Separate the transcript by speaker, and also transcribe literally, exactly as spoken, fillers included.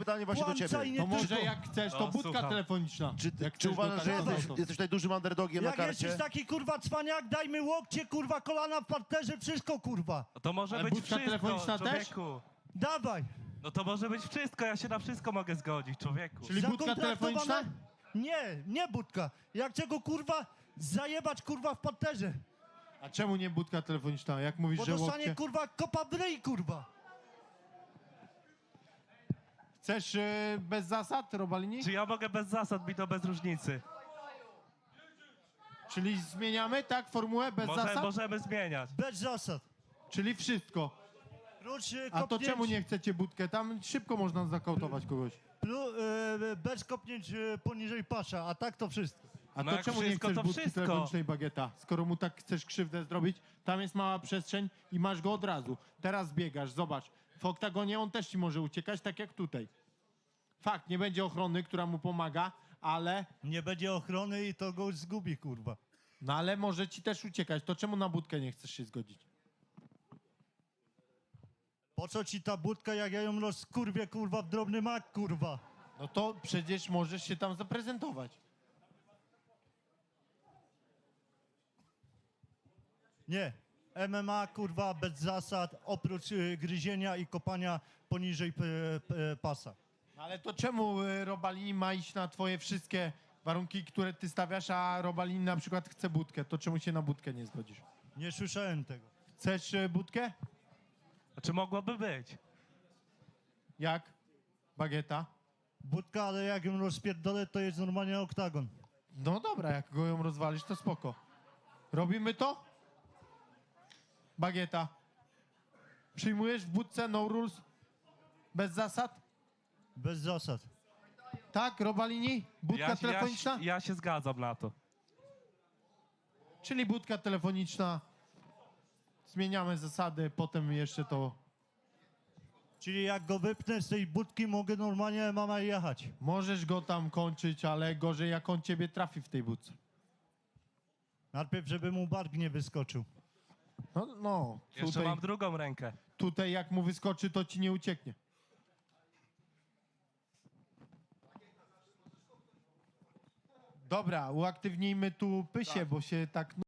Speaker 1: pytanie właśnie do
Speaker 2: Kłamca
Speaker 1: ciebie.
Speaker 2: i nie
Speaker 3: To może
Speaker 2: tylko.
Speaker 3: jak chcesz, to
Speaker 4: No,
Speaker 3: budka
Speaker 4: słucham.
Speaker 3: telefoniczna.
Speaker 1: Czy,
Speaker 3: Jak
Speaker 1: czy
Speaker 3: chcesz
Speaker 1: uważasz,
Speaker 3: do
Speaker 1: że
Speaker 3: karty,
Speaker 1: jesteś,
Speaker 3: to-
Speaker 1: jesteś tutaj dużym underdogiem na
Speaker 2: Jak
Speaker 1: karcie?
Speaker 2: jesteś taki kurwa cwaniak, dajmy łokcie, kurwa, kolana w parterze, wszystko kurwa.
Speaker 4: No to może
Speaker 3: Ale
Speaker 4: być
Speaker 3: budka
Speaker 4: wszystko,
Speaker 3: telefoniczna też?
Speaker 4: człowieku.
Speaker 2: Dawaj.
Speaker 4: No to może być wszystko, ja się na wszystko mogę zgodzić, człowieku.
Speaker 3: Czyli budka
Speaker 2: Zakontraktowana-
Speaker 3: telefoniczna?
Speaker 2: Nie, nie budka. Ja chcę go kurwa zajebać kurwa w parterze.
Speaker 3: A czemu nie budka telefoniczna? Jak mówisz,
Speaker 2: Bo
Speaker 3: że
Speaker 2: dostanie
Speaker 3: łokcie?
Speaker 2: kurwa kopa w ryj kurwa.
Speaker 3: Chcesz e, bez zasad, Robalini?
Speaker 4: Czy ja mogę bez zasad, mi to bez różnicy.
Speaker 3: Czyli zmieniamy, tak, formułę bez
Speaker 4: Może,
Speaker 3: zasad?
Speaker 4: możemy zmieniać.
Speaker 2: Bez zasad.
Speaker 3: Czyli wszystko.
Speaker 2: Prócz y,
Speaker 3: A to
Speaker 2: kopnięć,
Speaker 3: czemu nie chcecie budkę? Tam szybko można zakautować kogoś.
Speaker 2: Plu, y, bez kopnięć y, poniżej pasza, a tak to wszystko.
Speaker 3: A
Speaker 4: No
Speaker 3: to
Speaker 4: jak
Speaker 3: czemu nie
Speaker 4: wszystko,
Speaker 3: chcesz
Speaker 4: to
Speaker 3: budki
Speaker 4: wszystko.
Speaker 3: telefonicznej bagieta? Skoro mu tak chcesz krzywdę zrobić, tam jest mała przestrzeń i masz go od razu. Teraz biegasz, zobacz. W oktagonie on też ci może uciekać, tak jak tutaj. Fakt, nie będzie ochrony, która mu pomaga, ale...
Speaker 2: Nie będzie ochrony i to go zgubi kurwa.
Speaker 3: No ale może ci też uciekać. To czemu na budkę nie chcesz się zgodzić?
Speaker 2: Po co ci ta budka, jak ja ją rozkurwię kurwa w drobny mak kurwa.
Speaker 3: No to przecież możesz się tam zaprezentować.
Speaker 2: Nie. M M A kurwa bez zasad, oprócz y, gryzienia i kopania poniżej p, p, pasa.
Speaker 3: No ale to czemu y, Robalini ma iść na twoje wszystkie warunki, które ty stawiasz, a Robalini na przykład chce budkę? To czemu się na budkę nie zgodzisz?
Speaker 2: Nie słyszałem tego.
Speaker 3: Chcesz y, budkę?
Speaker 4: A czy mogłoby być?
Speaker 3: Jak? Bagieta?
Speaker 2: Budka, ale jak ją rozpierdolę, to jest normalnie oktagon.
Speaker 3: No dobra, jak go ją rozwalisz, to spoko. Robimy to? Bagieta. Przyjmujesz w budce no rules? Bez zasad?
Speaker 2: Bez zasad.
Speaker 3: Tak, Robalini? Budka
Speaker 4: Ja, ja,
Speaker 3: telefoniczna?
Speaker 4: ja się zgadzam na to.
Speaker 3: Czyli budka telefoniczna. Zmieniamy zasady, potem jeszcze to...
Speaker 2: Czyli jak go wypnę z tej budki, mogę normalnie mama jechać.
Speaker 3: Możesz go tam kończyć, ale gorzej jak on ciebie trafi w tej budce.
Speaker 2: Najpierw, żeby mu bark nie wyskoczył.
Speaker 3: No, no.
Speaker 4: Jeszcze
Speaker 3: Tutaj,
Speaker 4: mam drugą rękę.
Speaker 3: tutaj jak mu wyskoczy, to ci nie ucieknie. Dobra, uaktywnijmy tu Pysię, bo się tak...